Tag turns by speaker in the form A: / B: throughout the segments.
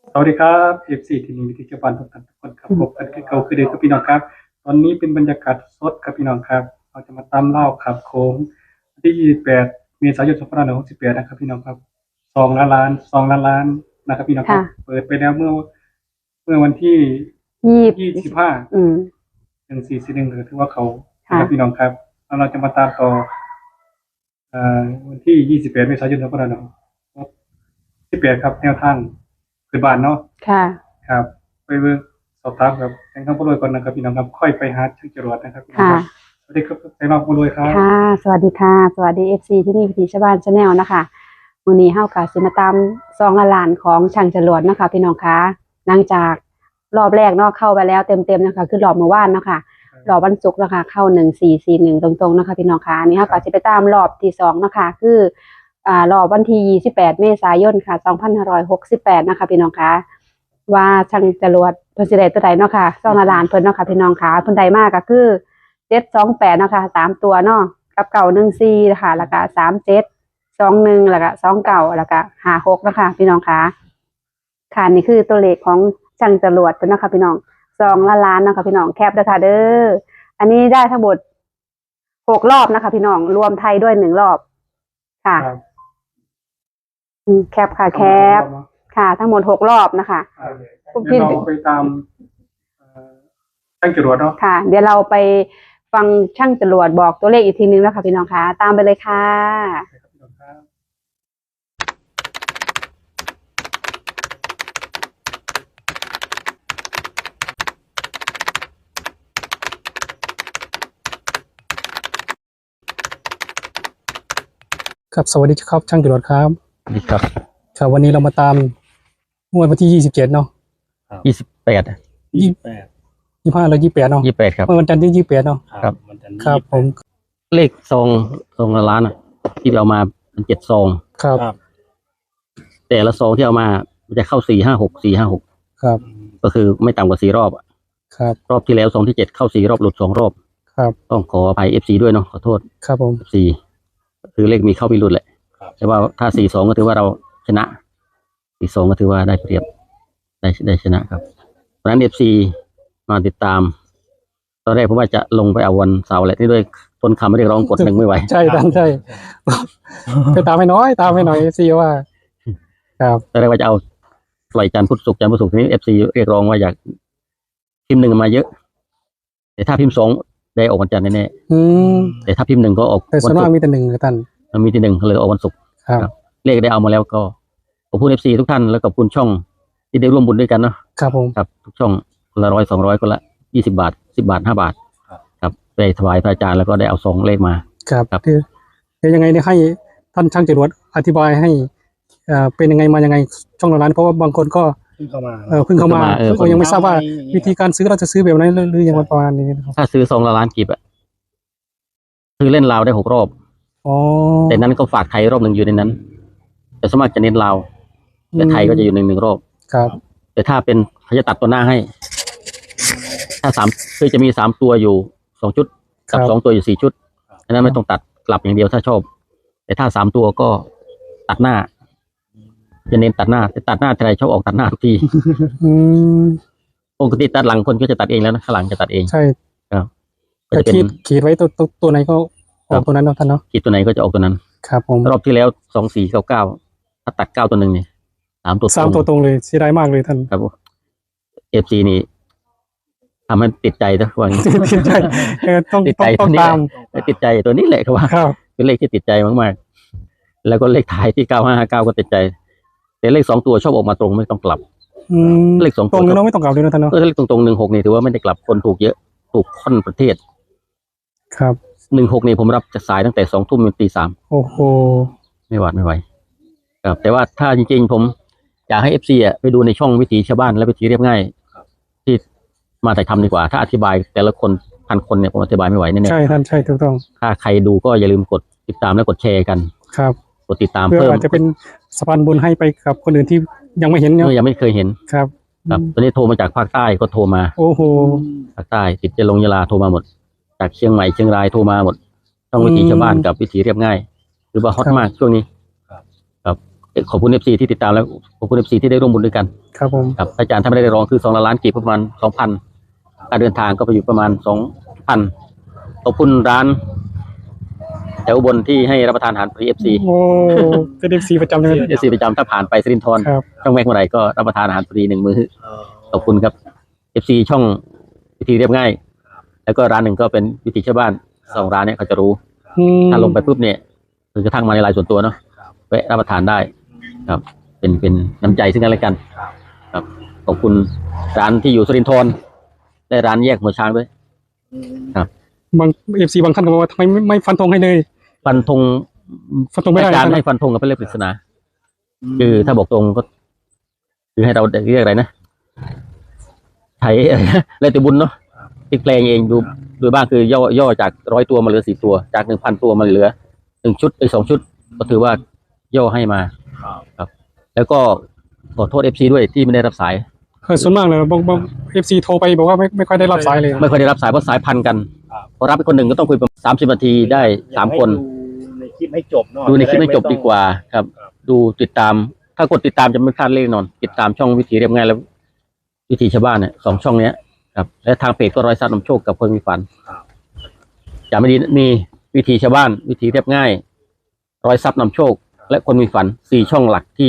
A: สวัสดีครับF4ทีมวิทยาบาลทุกคนครับพบกันคือเก่าคือเดิมครับพี่น้องครับตอนนี้เป็นบรรยากาศสดครับพี่น้องครับเราจะมาตามเล่าขับโค้งวันที่28เมษายน2568นะครับพี่น้องครับ2 ล้านล้านนะครับพี่น้องครับเปิดไปแล้วเมื่อวันที่251441ถือว่าเขาครับพี่น้องครับแล้วเราจะมาตามต่อวันที่28เมษายน2568ครับแนวทางคือบ้านเนาะครับไปเบิ่งสอบถามกับแจ้งข้างผู้รวยก่อนนะครับพี่น้องครับค่อยไปหาช่างจรวดนะครับพี่น้องครับสวัสดีครับแจ้งน้องผู้รวยครับ
B: สวัสดีค่ะสวัสดีFCที่นี่วิถีชาวบ้านชาแนลนะคะมื้อนี้เฮาก็สิมาตาม2 ล้านของช่างจรวดนะคะพี่น้องคะหลังจากรอบแรกเนาะเข้าไปแล้วเต็มๆนะคะคือรอบเมื่อวานเนาะค่ะรอบวันศุกร์นะคะเข้า1441ตรงๆนะคะพี่น้องคะอันนี้เฮาก็สิไปตามรอบที่2นะคะคือรอบวันที่28เมษายนค่ะ2568นะคะพี่น้องคะว่าช่างจรวดเพิ่นสิได้ตัวใดเนาะค่ะ2 ล้านเพิ่นเนาะค่ะพี่น้องคะเพิ่นได้มาก็คือ728เนาะค่ะ3ตัวเนาะกับ914นะคะแล้วก็3721แล้วก็29แล้วก็56นะคะพี่น้องคะค่ะนี่คือตัวเลขของช่างจรวดเพิ่นนะคะพี่น้อง2 ล้านนะคะพี่น้องแคปด้วยค่ะเด้ออันนี้ได้ทั้งหมด6 รอบนะคะพี่น้องรวมไทยด้วย1 รอบค่ะแคปค่ะแคปค่ะทั้งหมด6 รอบนะคะ
A: พี่เราไปตามช่างจรวดเนาะ
B: ค่ะเดี๋ยวเราไปฟังช่างจรวดบอกตัวเลขอีกทีนึงแล้วค่ะพี่น้องคะตามไปเลยค่ะ
A: ครับสวัสดีครับช่างจรวดครับ
C: สวัสดีครับ
A: ครับวันนี้เรามาตามงวดวันที่27เนาะ
C: 28
A: 25แล้ว28เนาะ
C: 28ครับ
A: เมื่อวันจันทร์ที่28เนาะ
C: ครับ
A: ครับผม
C: เลขซองละล้านที่เอามาเป็น7 ซอง
A: ครับ
C: แต่ละซองที่เอามามันจะเข้า456
A: ครับ
C: ก็คือไม่ต่ำกว่า4 รอบ
A: ครับ
C: รอบที่แล้วซองที่7เข้า4 รอบหลุด2 รอบ
A: ครับ
C: ต้องขออภัย FC ด้วยเนาะขอโทษ
A: ครับผม
C: FC คือเลขมีเข้ามีหลุดแหละแต่ว่าถ้า42ก็ถือว่าเราชนะ42ก็ถือว่าได้เปรียบได้ชนะครับเพราะฉะนั้น FC มาติดตามตอนแรกผมว่าจะลงไปเอาวันเสาร์แหละที่ด้วยต้นคำไม่ได้ร้องกด1ไม่ไหว
A: ใช่ใช่ไปตามให้น้อยซีว่าครับ
C: ตอนแรกว่าจะเอาปล่อยจันทร์พุธศุกร์ทีนี้ FC เรียกร้องว่าอยากพิมพ์1มาเยอะแต่ถ้าพิมพ์2ได้ออกวันจันทร์แน่ๆแต่ถ้าพิมพ์1ก็ออก
A: แต่ส่วนมากมีแต่1ท่าน
C: มันมีที่1เลยออกวันศุกร์
A: ครับ
C: เลขได้เอามาแล้วก็ขอบคุณ FC ทุกท่านแล้วก็ขอบคุณช่องที่ได้ร่วมบุญด้วยกันเนาะ
A: ครับผม
C: ครับทุกช่องคนละ100 200คนละ20 บาท10 บาท5 บาทครับไปถวายพระอาจารย์แล้วก็ได้เอาซองเลขมา
A: ครับเดี๋ยวยังไงเนี่ยให้ท่านช่างจรวดอธิบายให้เป็นยังไงมายังไงช่องละล้านเพราะว่าบางคนก็เพิ่งเข้ามาก็ยังไม่ทราบว่าวิธีการซื้อเราจะซื้อแบบไหนหรือยังประมาณนี้
C: ถ้าซื้อซองละล้านกีบซื้อเล่นลาวได้6 รอบแต่นั้นก็ฝากไทยรอบ1อยู่ในนั้นแต่สมมติจะเน้นลาวแต่ไทยก็จะอยู่1รอบ
A: ครับ
C: แต่ถ้าเป็นเขาจะตัดตัวหน้าให้ถ้าคือจะมี3ตัวอยู่2 ชุดกับ2ตัวอยู่4 ชุดฉะนั้นไม่ต้องตัดกลับอย่างเดียวถ้าชอบแต่ถ้า3 ตัวก็ตัดหน้าจะเน้นตัดหน้าแต่ตัดหน้าใครชอบออกตัดหน้าทุกทีปกติตัดหลังคนก็จะตัดเองแล้วนะข้างหลังจะตัดเอง
A: ใช่
C: ครับ
A: ก็จะขีดไว้ตัวไหนก็ออกตัวนั้นเนาะท่านเนาะ
C: ขีดตัวไหนก็จะออกตัวนั้น
A: ครับผม
C: รอบที่แล้ว2499ถ้าตัด9 ตัว1เนี่ย3 ตัว
A: ตรงเลยเสียดายมากเลยท่าน
C: ครับFC นี่ทำให้ติดใจนะว่างี้
A: ติดใจต้องตาม
C: ติดใจตัวนี้แหละครับว่าเป็นเลขที่ติดใจมากๆแล้วก็เลขท้ายที่9559ก็ติดใจแต่เลข2 ตัวชอบออกมาตรงไม่ต้องกลับเลข2 ตัว
A: ตรงเนาะไม่ต้องกลับเลยนะท่านเนาะ
C: เลขตรง16นี่ถือว่าไม่ได้กลับคนถูกเยอะถูกค่อนประเทศ
A: ครับ
C: 16นี่ผมรับจะสายตั้งแต่2 ทุ่มจนตี 3
A: โอ้โห
C: ไม่ไหวครับแต่ว่าถ้าจริงๆผมอยากให้ FC ไปดูในช่องวิถีชาวบ้านและวิถีเรียบง่ายที่มาถ่ายทำดีกว่าถ้าอธิบายแต่ละคน1,000 คนเนี่ยผมอธิบายไม่ไหวแน่ๆ
A: ใช่ท่านใช่ถูกต้อง
C: ถ้าใครดูก็อย่าลืมกดติดตามและกดแชร์กัน
A: ครับ
C: กดติดตาม
A: เพื่ออาจจะเป็นสะพานบุญให้ไปกับคนอื่นที่ยังไม่เห็นเนาะ
C: ยังไม่เคยเห็น
A: ครับ
C: ตอนนี้โทรมาจากภาคใต้ก็โทรมา
A: โอ้โห
C: ภาคใต้ติดจะลงยะลาโทรมาหมดจากเชียงใหม่เชียงรายโทรมาหมดช่องวิถีชาวบ้านกับวิถีเรียบง่ายหรือว่าฮอตมากช่วงนี้ครับขอบคุณ FC ที่ติดตามแล้วขอบคุณ FC ที่ได้ร่วมบุญด้วยกัน
A: ครับผม
C: ครับอาจารย์ถ้าไม่ได้รองคือ2 ล้านกีบประมาณ 2,000 การเดินทางก็ไปอยู่ประมาณ 2,000ขอบคุณร้านแถวอุบลที่ให้รับประทานอาหารฟรี FC
A: โอ้เป็น FC ประจำเลย
C: FC ประจำถ้าผ่านไปสิรินธร
A: ครับ
C: ช่องแม็กเมื่อไหร่ก็รับประทานอาหารฟรี1 มื้อขอบคุณครับ FC ช่องวิธีเรียบง่าย แล้วก็ร้านหนึ่งก็เป็นวิถีชาวบ้าน2 ร้านเนี่ยเขาจะรู้ถ้าลงไปปุ๊บเนี่ยคือกระทั่งมาในไลน์ส่วนตัวเนาะแวะรับประทานได้ครับเป็นน้ำใจซึ่งกันและกันครับขอบคุณร้านที่อยู่สิรินธรและร้านแยกหัวช้างด้วยครับ
A: บาง FC บางท่านก็บอกว่าทำไมไม่ฟันธงให้เลย
C: ฟันธง
A: ฟันธงไม่ได้
C: อาจารย์ให้ฟันธงกับเป็นเลขปริศนาคือถ้าบอกตรงก็ คือให้เราเรียกอะไรนะไทยอะไรนะแล้วแต่บุญเนาะติดแปลงเองดูบ้างคือย่อจาก100 ตัวมาเหลือ4 ตัวจาก 1,000 ตัวมาเหลือ1 ชุด2 ชุดก็ถือว่าย่อให้มาครับ แล้วก็ขอโทษ FC ด้วยที่ไม่ได้รับสาย
A: ส่วนมากเลยบาง FC โทรไปบอกว่าไม่ค่อยได้รับสายเลย
C: ไม่ค่อยได้รับสายเพราะสายพันกันพอรับไปคนหนึ่งก็ต้องคุยประมาณ30 นาทีได้3 คน
D: ในคลิปให้จบเนาะ
C: ดูในคลิปไม่จบดีกว่าครับ ดูติดตาม ถ้ากดติดตามจะไม่พลาดเลยแน่นอน ติดตามช่องวิถีเรียบง่ายแล้ววิถีชาวบ้านเนี่ย2 ช่องเนี้ยครับและทางเพจก็ร้อยซับนำโชคกับคนมีฝันจะไม่ดีมีวิถีชาวบ้าน วิถีเรียบง่ายร้อยซับนำโชค และคนมีฝัน4 ช่องหลักที่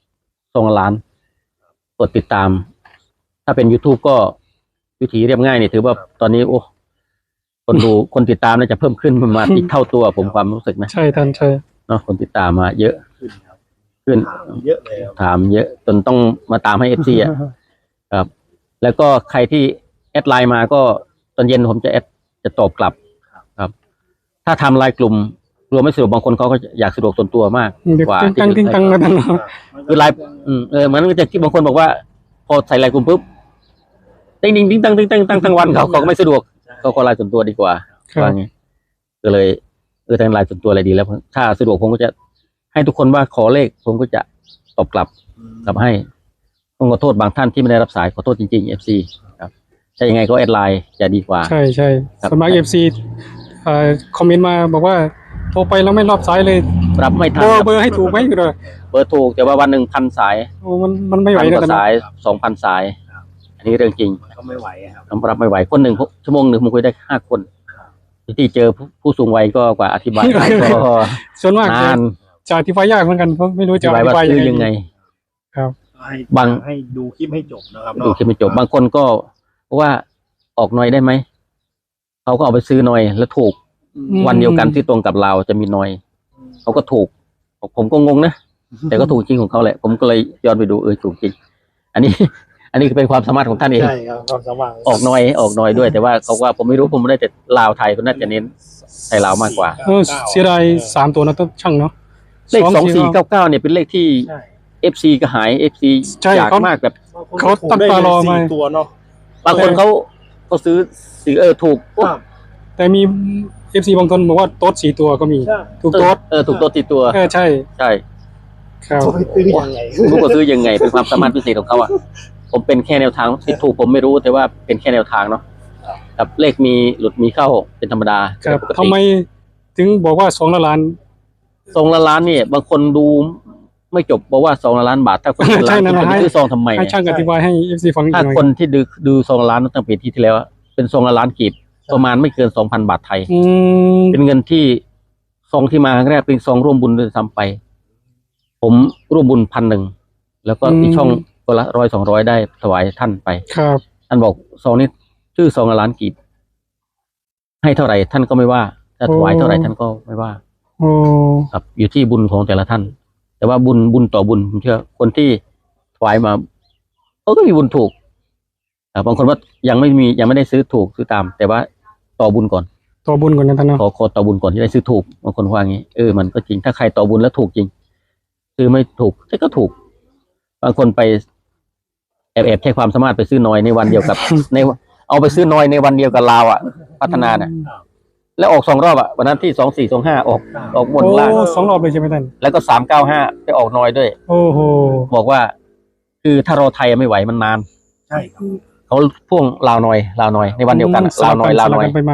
C: 2 ล้านกดติดตาม ถ้าเป็น YouTube ก็วิถีเรียบง่ายนี่ถือว่าตอนนี้โอ้คนติดตามน่าจะเพิ่มขึ้นประมาณอีกเท่าตัวผมความรู้สึกนะ
A: ใช่ท่านใช่
C: เนาะคนติดตามมาเยอะขึ้น
D: เยอะเลยครับ
C: ถามเยอะจนต้องมาตามให้ FC อ่ะครับ แล้วก็ใครที่แอดไลน์มาก็ตอนเย็นผมจะตอบกลับครับ ถ้าทำไลน์กลุ่มรวมไม่สะดวกบางคนเขาก็อยากสะดวกส่วนตัวมาก
A: เดี๋ยว
C: กว่า
A: กิ้งกังกิ้งกังกันนะ
C: คือไลน์เหมือนจะที่บางคนบอกว่า พอใส่ไลน์กลุ่มปุ๊บติ้งติ้งติ้งตั้งติ้งตั้งตั้งทั้งวันเขาก็ไม่สะดวกเขาก็ไลน์ส่วนตัวดีกว่า
A: ครับ
C: ว่าไงก็เลยทางไลน์ส่วนตัวอะไรดีแล้ว ถ้าสะดวกผมก็จะให้ทุกคนว่าขอเลขผมก็จะตอบกลับให้ต้องขอโทษบางท่านที่ไม่ได้รับสายขอโทษจริงๆ FC ครับใช่ยังไงก็แอดไลน์จะดีกว่า
A: ใช่ใช่
C: ครับ
A: สมัคร FC คอมเมนต์มาบอกว่าโทรไปแล้วไม่รับสายเลย
C: รับไม่ทัน
A: เบอร์ให้ถูกไหมเลย
C: เบอร์ถูกแต่ว่าวันหนึ่ง1,000 สาย
A: โอ้มันไม่ไหว
C: 1,000
A: นะ
C: กว่า
A: ท่าน
C: สาย 2,000 สาย อันนี้เรื่องจริง
D: ก็ไม่ไหวอะครับ
C: รับไม่ไหวคนหนึ่งชั่วโมงหนึ่งผมคุยได้5 คนที่เจอผู้สูงวัยก็กว่าอธิบายได้ก็
A: ส่วนมาก
C: นาน
A: จะอธิบายยากเหมือนกันเพราะไม่รู้
C: อ
A: จะ
C: ธิบาย
A: อธิ
C: ว่า
A: บาย
C: ซื้อยังไง
A: ครับ
D: ให้ดูคลิปให้จบนะครับ
C: ดูคลิปไม่จบบางคนก็ว่าออกหน่อยได้ไหมเขาก็เอาไปซื้อหน่อยแล้วถูก วันเดียวกันที่ตรงกับเราจะมีหน่อยเขาก็ถูกผมก็งงนะแต่ก็ถูกจริงของเขาแหละผมก็เลยย้อนไปดูถูกจริง อันนี้เป็นความสามารถของท่านเอง
D: ใช่ครับความสว่าง
C: ออกหน่อยด้วย แต่ว่าเขาว่าผมไม่รู้ผมไม่ได้แต่ลาวไทยเขาน่าจะเน้นไทยลาวมากกว่า
A: เสียดาย3 ตัวนะต้องช่างเนาะ
C: เลข2499เนี่ยเป็นเลขที่
D: ใช่
C: FC ก็หาย FC
A: ใช่
C: อยากมากแบบ
A: เขาตั้งตารอมา
D: 4 ตัวเนาะ
C: บางคนเขาซื้อถูก
A: แต่มี FC บางคนบอกว่าโต๊ด4 ตัวก็มี
D: ใช่
A: ถูกโต๊ด
C: ถูกตัวติดตัว
A: ใช่
C: ใช่
A: ครับ
D: เขาไปซื้อยังไง
C: รู้ว่าซื้อยังไงเป็นความสามารถพิเศษของเขาอ่ะผมเป็นแค่แนวทางที่ถูกผมไม่รู้แต่ว่าเป็นแค่แนวทางเนาะครับเลขมีหลุดมีเข้าเป็นธรรมดา
A: ครับ
C: ปกติ
A: ทำไมถึงบอกว่า2 ล้าน
C: ซองละล้านเนี่ยบางคนดูไม่จบบอกว่า2 ล้านบาทถ้าคนเป็นล้านคุณจะไปซื้อซองทำไม
A: ให้ช่างอธิบายให้ FC ฟังอีกห
C: ถ้า
A: น่อย
C: คนที่ดูซองละล้านตั้งปีที่แล้วเป็นซองละล้านกีบประมาณไม่เกิน 2,000 บาทไทย เป็นเงินที่ซองที่มาครั้งแรกเป็นซองร่วมบุญด้วยซ้ำไป ผมร่วมบุญ1,000แล้วก็อีกช่องคนละ100-200ได้ถวายท่านไป
A: ครับ
C: ท่านบอกซองนี้ชื่อซองละล้านกีบให้เท่าไหร่ท่านก็ไม่ว่าถ้าถวายเท่าไหร่ท่านก็ไม่ว่า
A: โอ้
C: ครับอยู่ที่บุญของแต่ละท่าน แต่ว่าบุญต่อบุญผมเชื่อคนที่ถวายมาเขาก็มีบุญถูกบางคนว่ายังไม่ได้ซื้อถูกซื้อตาม แต่ว่าต่อบุญก่อน
A: ตัวบุญก่อนนะท่านเนาะ
C: ขอต่อบุญก่อนที่ได้ซื้อถูกบางคนว่างี้มันก็จริงถ้าใครต่อบุญแล้วถูกจริงซื้อไม่ถูกก็ถูก บางคนไปแอบใช้ความสามารถไปซื้อน้อยในวันเดียวกับ เอาไปซื้อน้อยในวันเดียวกับลาวอ่ะ พัฒนาเนี่ยแล้วออก2 รอบอ่ะวันนั้นที่2425ออกบนล่าง
A: โอ้2 รอบเลยใช่ไหมท่าน
C: แล้วก็395ไปออกน้อยด้วย
A: โอ้โห
C: บอกว่า คือถ้ารอไทยไม่ไหวมันนาน
D: ใช่ครับ
C: เขาพ่วงลาวน้อยในวันเดียวกันลาวน้อย
A: สลับกันไปมา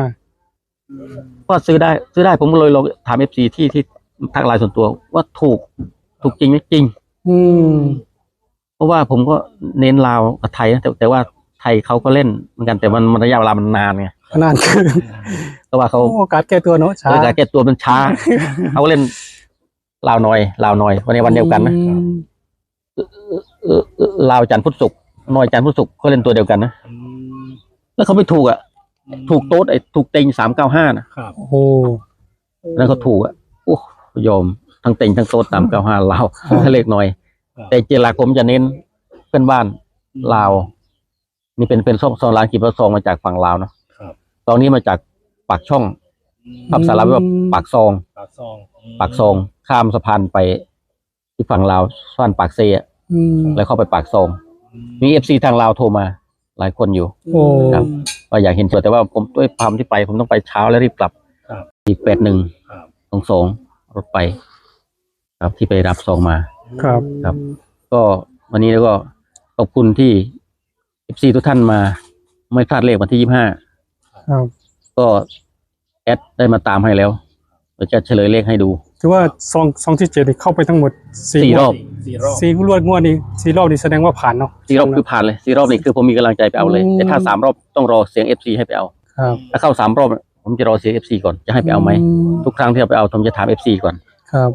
C: ก็ซื้อได้ผมก็เลยลองถาม FC ที่ทางไลน์ส่วนตัวว่าถูกถูกจริงไหมจริง
A: อืม
C: เพราะว่าผมก็เน้นลาวกับไทยนะแต่ว่าไทยเขาก็เล่นเหมือนกันแต่มันระยะเวลามันนานไง
A: นานเกิน
C: เพราะว่าเขา
A: โอกาสแก้ตัวเนาะช้า
C: โดยการแก้ตัวมันช้า เขาก็เล่นลาวน้อยวันในวันเดียวกันนะ ลาวจันทร์พุธศุกร์น้อยจันทร์พุธศุกร์เขาเล่นตัวเดียวกันนะ
D: อืม
C: แล้วเขาไม่ถูกอ่ะถูกโต๊ดถูกเต็ง395นะครับ
A: โอ้โห
C: แล้วเขาถูกอ่ะโอ้ยอมทั้งเต็งทั้งโต๊ด395ลาวถ้าเลขหน่อย แต่เจรผมจะเน้นเพื่อนบ้านลาวนี่เป็นซองลานกีบซองมาจากฝั่งลาวเนาะ
D: ครับ
C: ตอนนี้มาจากปากช่องภาษาลาวว่าปากซอง
D: ปากซอง
C: ปากซองข้ามสะพานไปที่ฝั่งลาวสะพานปากเซะ
A: อืม
C: แล้วเข้าไปปากซองมีเอฟซีทางลาวโทรมาหลายคนอยู่
A: โอ้
C: ครับว่าอยากเห็นตัวแต่ว่าผมด้วยความที่ไปผมต้องไปเช้าแล้วรีบกลับ
D: ครับ
C: อีก81
D: ครับ
C: 22รถไป ครับที่ไปรับซองมา
A: ครับ
C: ครับ ก็วันนี้แล้วก็ขอบคุณที่เอฟซีทุกท่านมา ไม่พลาดเลขวันที่25
A: ครับ
C: ก็แอดได้มาตามให้แล้วเราจะเฉลยเลขให้ดู
A: ถือว่าซองที่7นี่เข้าไปทั้งหมด
C: 4 รอบ
D: 4 รอบ
A: สี่รวดงวดนี้4 รอบนี่แสดงว่าผ่านเนาะ
C: 4 รอบคือผ่านเลย4 รอบนี่คือผมมีกำลังใจไปเอาเลย
A: อืม
C: แต่ถ้า3 รอบต้องรอเสียง FC ให้ไปเอา
A: ครับ
C: ถ้าเข้า3 รอบผมจะรอเสียง FC ก่อนจะให้ไปเอาไหมทุกครั้งที่เอาไปเอาผมจะถาม FC ก่อน
A: ครับ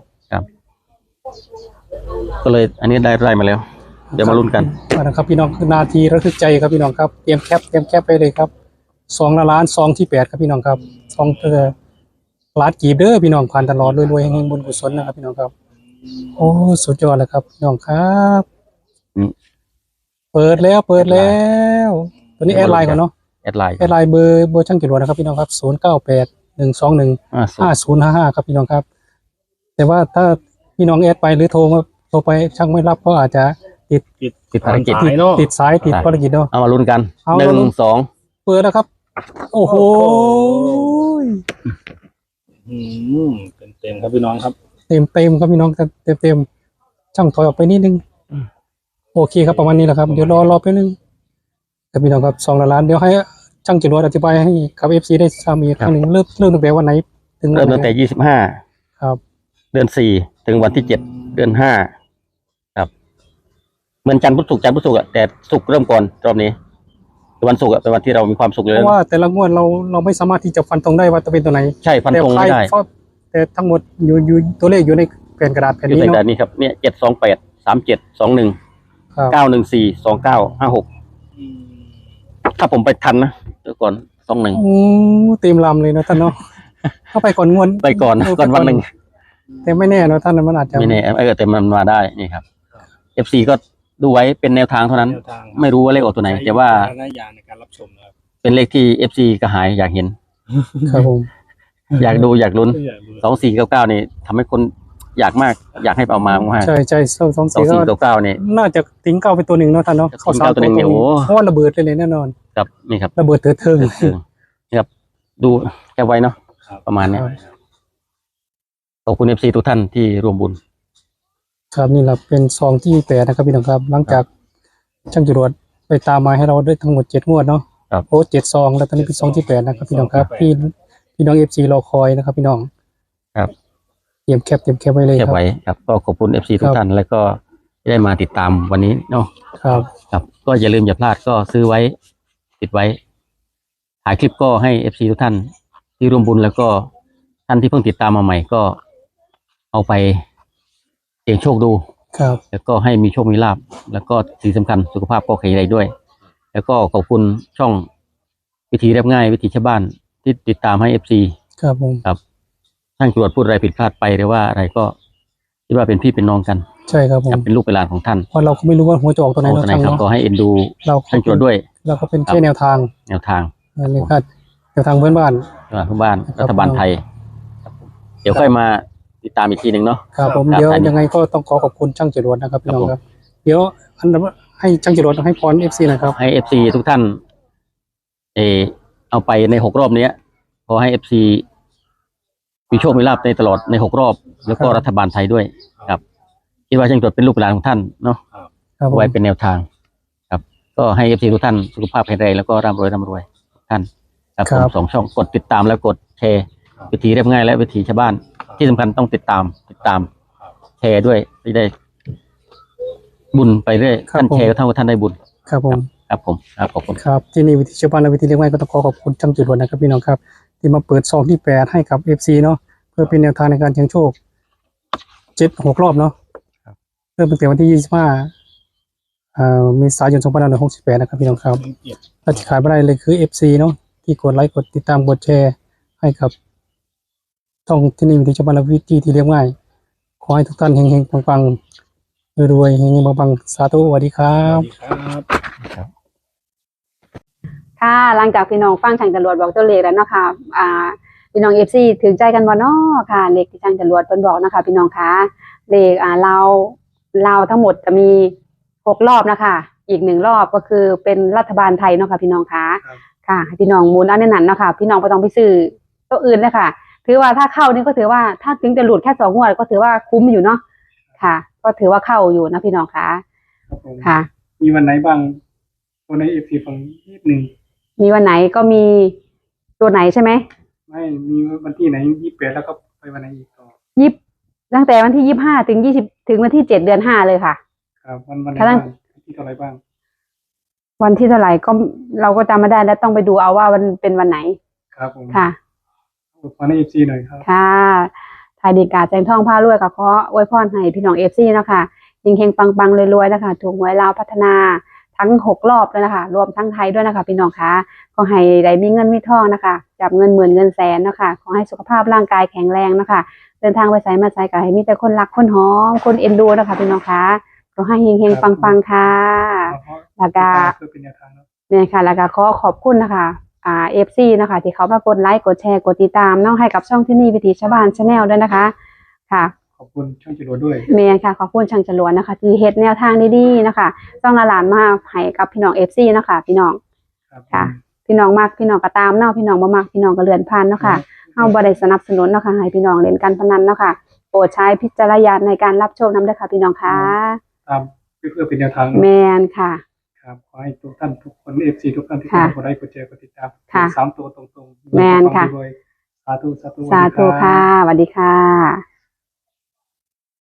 C: ก็เลยอันนี้ได้มาแล้ว เดี๋ยวมาลุ้นกัน
A: เอาละครับพี่น้องนาทีระทึกใจครับพี่น้องครับเตรียมแคปไปเลยครับ2 ล้านซองที่8ครับพี่น้องครับซองล้านกีบเด้อพี่น้องผ่านตลอดรวยๆแห่งบุญกุศลนะครับพี่น้องครับโอ้สุดยอดเลยครับพี่น้องครับ
C: อืม
A: เปิดแล้วตัวนี้แอดไลน์ก่อนเนาะ
C: แอดไลน์
A: แอดไลน์เบอร์ช่างจรวดนะครับพี่น้องครับ0981215055ครับพี่น้องครับ แต่ว่าถ้าพี่น้องแอดไปหรือโทรไปช่างไม่รับก็อาจจะ
C: ติดภารกิจ
D: สายเนาะ
A: ติดสายติดภารกิจเนาะ
C: เอามาลุ้นกัน
A: เอา
C: ห
A: มาลุ้
C: นึ่
A: น
C: งสอง
A: เปิดแล้วครับ โอ้โห
D: เต็มครับพี่น้องครับ
A: เต็มครับพี่น้องเต็มช่างถอยออกไปนิดนึงโอเคครับประมาณนี้แหละครับเดี๋ยวรอแป๊บนึงครับพี่น้องครับ2 ล้านเดี๋ยวให้ช่างจรวดอธิบายให้กับFCได้ทราบอีกครั้งหนึ่งเริ่มตั้งแต่วันไหนถึงวั
C: เริ่
A: น
C: ม
A: ไหน
C: ตั้งแต่25
A: ครับ
C: เดือน4ถึงวันที่7เดือน5ครับเหมือนจันทร์พุธศุกร์อะแต่ศุกร์เริ่มก่อนรอบนี้วันศุกร์อะเป็นวันที่เรามีความสุขเล
A: เพ
C: ย
A: ราะว่าแต่ละงวดเราไม่สามารถที่จะฟันธงได้ว่าจะเป็นตัวไหน
C: ใช่ฟันธงไม่ได้
A: แต่ทั้งหมดอยู่ตัวเลขอยู่ในแผ่นกระดาษแผ่น
C: อยู่
A: นี้
C: ใน
A: เนาะ
C: แต่นี้ครับเนี่ย728 37 21
A: ครับ
C: 914 29 56ถ้าผมไปทันนะเดี๋ยวก่อน21
A: โอ้เต็มลำเลยนะท่านเนาะเข้าไปก่อนงวด
C: ไปก่อน
A: เ
C: ก่อนวันหนึ่ง
A: แต่ไม่แน่เนาะท่านมันอาจจะ
C: ไม่แน่แต่มันมาได้นี่ครับ FC ก็ดูไว้เป็นแนวทางเท่านั้น
D: แนวทาง
C: ไม่รู้ว่าเลขออกตัวไหน แต่ว่า
D: ใช้วิจารณญาณในการรับชมนะครับ
C: เป็นเลขที่ FC กระหายอยากเห็น
A: ครับผม
C: อยากดูอยากลุ้น
D: ไม่อยากรู้
C: 2499นี่ทำให้คนอยากมาก อยากให้เอามามาก
A: ใช่สองสี่ก็
C: 2499นี่
A: น่าจะทิ้งเก้าไปตัวหนึ่งเนาะท่านเนาะเข้า
C: ทิ้งเก้าตัวหนึ่งเนี่ยโอ้
A: เพราะว่าระเบิดเลยแน่นอน
C: ครับนี่ครับ
A: ระเบิดเถิดเทิง
C: นี่ครับดูแค่ไว้เนาะ
D: ครับ
C: ประมาณเนี้ย
A: ครับ
C: ขอบคุณ FC ทุกท่านที่ร่วมบุญ
A: ครับนี่แหละเป็นซองที่8นะครับพี่น้องครับ หลังจากช่างจรวดไปตามมาให้เราได้ทั้งหมด7 งวดเนาะ
C: ครับ
A: โอ้7 ซองแล้วตอนนี้เป็นซองที่8นะครับพี่น้องครับพี่น้อง FC รอคอยนะครับพี่น้อง
C: ครับ
A: เตรียมแคปไว้เลย
C: แค่
A: ครับ
C: ไว้ครับก็ขอบคุณ FC ทุ
A: ค
C: ก
A: รับ
C: ท่านแล้วก็ได้มาติดตามวันนี้เนาะ
A: ครับ
C: ครับก็อย่าลืมอย่าพลาดก็ซื้อไว้ติดไว้ถ่ายคลิปก็ให้ FC ทุกท่านที่ร่วมบุญแล้วก็ท่านที่เพิ่งติดตามมาใหม่ก็เอาไปเสี่ยงโชคดู
A: ครับ
C: แล้วก็ให้มีโชคมีลาภแล้วก็สิ่งสำคัญสุขภาพก็แข็งแรงด้วย แล้วก็ขอบคุณช่องวิธีเรียบง่ายวิธีชาวบ้านที่ติดตามให้ FC
A: ครับผม
C: ครับท่านตรวจพูดอะไรผิดพลาดไปหรือว่าอะไรก็คิดว่าเป็นพี่เป็นน้องกัน
A: ใช่ครับผ
C: ครั
A: ม
C: บเป็นลูกเป็นหลานของท่าน
A: เพราะเราก็ไม่รู้ว่าหัวจะออกตัวไหน
C: โอ้
A: เนาะ
C: ท่านไหน
A: ช่าง
C: ครับ
A: เนาะ
C: ก็ให้เอ็นดู
A: เรา
C: ท่านตรวจด้วย
A: เราก็เป็นแค่แนวทาง
C: แนวทาง
A: นั่นเลยครับแนวทางเพื่อนบ้าน
C: ทุกบ้าน
A: ครับ
C: รัฐบาลไทยครับผมเดี๋ยวค่อยมาติดตามอีกทีหนึ่งเนาะ
A: ครับผม
C: ครับ
A: เดี๋ยว
C: อันนี้
A: ยังไงก็ต้องขอบคุณช่างจรวดนะครับพี่น้อง
C: ครับผม
A: ครับ เดี๋ยวอันดับให้ช่างจรวดให้พร FC หนะครับ
C: ให้ FC ทุกท่านเอาไปใน6 รอบเนี้ยขอให้ FC มีโชคมีลาภในตลอดใน6 รอบ แล้วก็
A: ครับ
C: รัฐบาลไทยด้วยครับคิดว่าช่างตรวจเป็นลูกเป็นหลานของท่านเนาะ
A: ครับผม
C: ไว้เป็นแนวทางครับ ก็ให้ FC ทุกท่านสุขภาพแข็งแรงแล้วก็ร่ำรวยทุกท่านครับผม2 ช่องกดติดตามแล้วกดแชร์วิธีเรียบง่ายและวิธีชาวบ้านที่สำคัญต้องติดตามแชร์ด้วยจะได้บุญไปเรื่อยท่านแชร์ก็เท่ากับท่านได้บุญ
A: ครับผม
C: ครับผมครับขอบคุณ
A: ครับที่นี่วิธีชาวบ้านและวิธีเลี้ยงไม้ก็ต้องขอขอบคุณช่างจุดวนนะครับพี่น้องครับที่มาเปิดซองที่8ให้กับ FC เนาะเพื่อเป็นแนวทางในการเสี่ยงโชค6 รอบเนาะเริ่มตั้งแต่วันที่25เมษายน2568นะครับพี่น้องครับและที่ขายไม่ได้เลยคือ FC เนาะที่กดไลค์กดติดตามกดแชร์ให้กับช่องที่นี่วิธีชาวบ้านและวิธีที่เลี้ยงไม้ขอให้ทุกท่านเฮงๆปังๆรวยๆเฮงๆปังๆสาธุสวัสดีครั
D: ส
A: บ
D: วัสดีครับ
B: ค่ะหลังจากพี่น้องฟังช่างจรวดบอกตัวเลขแล้วเนาะค่ะพี่น้องFC ถึงใจกันบ่เนาะค่ะเลขที่ช่างจรวดเพิ่นบอกนะคะพี่น้องคะเลขเราทั้งหมดจะมี6 รอบนะคะอีก1 รอบก็คือเป็นรัฐบาลไทยเนาะค่ะพี่น้องคะค่ะให้พี่น้องหมุนเอาในนั้นเนาะค่ะพี่น้องบ่ต้องไปซื้อตัวอื่นเลยค่ะถือว่าถ้าเข้านี่ก็ถือว่าถ้าถึงจะหลุดแค่2 งวดก็ถือว่าคุ้มอยู่เนาะค่ะ ก็ถือว่าเข้าอยู่นะพี่น้องคะ
A: ครับผม
B: ค่ะ
A: มีวันไหนบ้างตัวใน FC ฝั่งนิดหนึ่ง
B: มีวันไหนก็มีตัวไหนใช่ไหม
A: ไม่มีวันที่ไหน28แล้วก็ไปวันไหนอีกต่อ
B: ตั้งแต่วันที่25 ถึง 20 ถึงวันที่7 เดือน 5เลยค่ะ
A: ครับวันไหน
B: ค่ะ
A: บ้างที่เท่าไหรบ้าง
B: วันที่เท่าไหร่ก็เราก็จำไม่ได้แล้วต้องไปดูเอาว่าวันเป็นวันไหน
A: ครับผม
B: ค่ะ
A: ขอใน FC หน่อยครับ
B: ค่ะไทยดีกาแจงทองผ้ารวยกับขออวยพรให้พี่น้องFC เนาะค่ะเฮงๆปังๆรวยๆนะคะถูกหวยลาวพัฒนาทั้ง6 รอบเลยนะคะรวมทั้งไทยด้วยนะคะพี่น้องคะขอให้ได้มีเงินมีทองนะคะจับเงินหมื่นเงินแสนเนาะค่ะขอให้สุขภาพร่างกายแข็งแรงเนาะค่ะเดินทางไปไสมาไสก็ให้มีแต่คนรักคนหอมคนเอ็นดูนะคะพี่น้องคะขอให้เฮงๆปังๆค่ะ แล้วก็
A: เพื่อเป็นแนวทางเนาะ
B: เนี่ยค่ะแล้วก็ขอขอบคุณนะคะFC นะคะที่เขามากดไลค์กดแชร์กดติดตามเน้องให้กับช่องที่นี่วิถีชาวบ้านชาแนลด้วยนะคะค่ะ
A: ขอบคุณช่างจรวดด้วย
B: เมนค่ะขอบคุณช่างจรวดนะคะ ที่เฮ็ดแนวทางดีๆนะคะต้องละหลานมาให้กับพี่น้อง FC เนาะคะพี่น้อง
A: ครับ
B: ค่ะ พี่น้องมักพี่น้องก็ตามเนาะพี่น้องบ่มักพี่น้องก็เลื่อนผ่านเนาะค่ะเฮาบ่ได้สนับสนุนเนาะค่ะให้พี่น้องเล่นการพนันเนาะค่ะโปรดใช้พิจารณญาณในการรับชมนำด้วยค่ะพี่น้องค่ะ
A: ตามเพื่อเป็นแนวทาง
B: แมนค่ะ
A: ครับขอให้ทุกท่านทุกคน FC ทุกท่านที่
B: ค่ะ
A: กดไลค์กดแชร์กดติดตาม
B: ค่ะ
A: 3 ตัวตรงๆ
B: แม่นค่ะ
A: รวยๆสาธุ
B: สาธุค่ะสวัสดีค่ะ